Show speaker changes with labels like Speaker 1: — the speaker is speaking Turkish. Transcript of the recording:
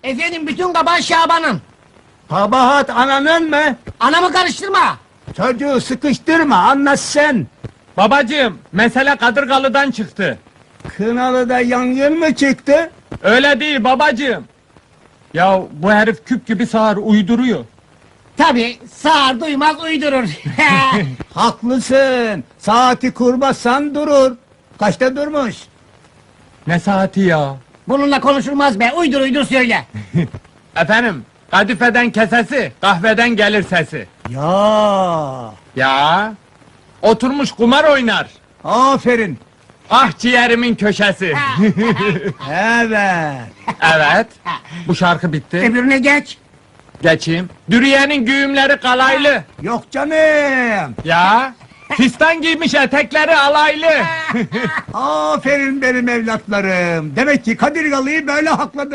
Speaker 1: Efendim bütün kabahat Şaban'ın.
Speaker 2: Kabahat ananın mı?
Speaker 1: Anamı karıştırma.
Speaker 2: Çocuğu sıkıştırma, anlat sen.
Speaker 3: Babacığım, mesele Kadırgalı'dan çıktı.
Speaker 2: Kınalı'da yangın mı çıktı?
Speaker 3: Öyle değil babacığım. Ya bu herif küp gibi sağır, uyduruyor.
Speaker 1: Tabii sağır duymaz uydurur.
Speaker 2: Haklısın. Saati kurmazsan durur. Kaçta durmuş?
Speaker 3: Ne saati ya?
Speaker 1: Bununla konuşulmaz be, uydur uydur söyle.
Speaker 3: Efendim, kadifeden kesesi, kahveden gelir sesi.
Speaker 2: Ya.
Speaker 3: Ya, oturmuş kumar oynar.
Speaker 2: Aferin.
Speaker 3: Ah ciğerimin köşesi.
Speaker 2: Evet.
Speaker 3: Evet, bu şarkı bitti.
Speaker 1: Öbürüne geç.
Speaker 3: Geçeyim. Dürüye'nin güğümleri kalaylı.
Speaker 2: Yok canım.
Speaker 3: Ya, fistan giymiş etekleri alaylı.
Speaker 2: Aferin benim evlatlarım. Demek ki Kadirgalı'yı böyle hakladı.